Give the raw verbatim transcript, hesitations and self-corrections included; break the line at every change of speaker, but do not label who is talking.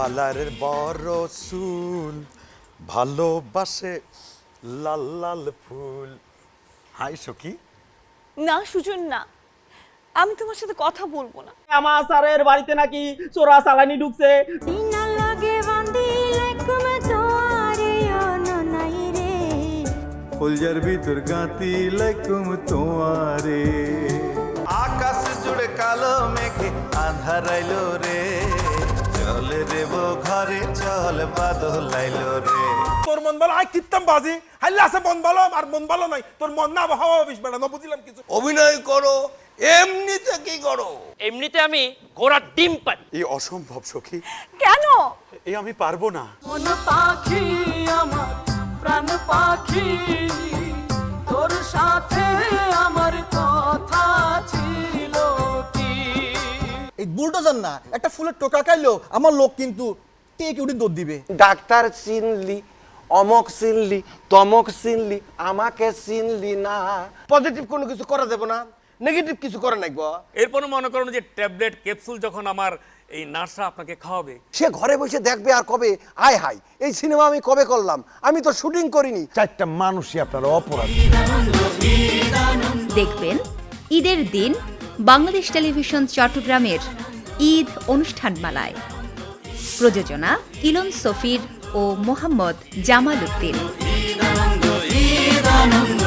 Colour বড় চুল ভালোবাসে লাল লাল ফুল। হাই সখী।
না সুজন না, আমি তোমার সাথে কথা বলবো না।
আমার স্যারের বাড়িতে নাকি চোরা চালানি ঢুকছে।
ফুলজার ভিতর গাতি লাইকুম তোমারে।
আকাশ জুড়ে কালো মেঘে আন্ধারাইলো রে, চল রেব ঘরে চল বাদল আইলো রে।
তোর মন ভালো আই কিত্তাম বাজি হাইলে আছে মন ভালো আর মন ভালো নাই, তোর মন না হাওয়া বিষ বেড়া না বুঝিলাম কিছু।
অভিনয় করো, এমনিতে কি করো?
এমনিতে আমি ঘোড়ার ডিম পাই।
এই অসম্ভব সখী,
কেন?
এই আমি পারবো না।
মন পাখি আমার প্রাণ পাখি, তোর সাথে আমার কথা ছিল কি।
এই বুলডোজার না একটা ফুলের টোকা খাইলো আমার লোক কিন্তু টেক উঠে দৌড় দিবে।
ডাক্তার চিনলি, অমক চিনলি, তমক চিনলি, আমাকে চিনলি না। পজিটিভ কোনো কিছু করা যাবে না, নেগেটিভ কিছু করে নাকব।
এরপরে মনে করুন যে ট্যাবলেট ক্যাপসুল যখন আমার এই নার্সরা আপনাকে খাওয়াবে,
সে ঘরে বসে দেখবে আর কবে আয় হাই এই সিনেমা আমি কবে করলাম, আমি তো শুটিং করিনি। চারটা মানুষই আপনারা অপরাধ।
দেখবেন ঈদের দিন বাংলাদেশ টেলিভিশন চট্টগ্রামের ঈদ অনুষ্ঠানমালায়। প্রযোজনা ইলন সফির ও মোহাম্মদ জামাল উদ্দিন।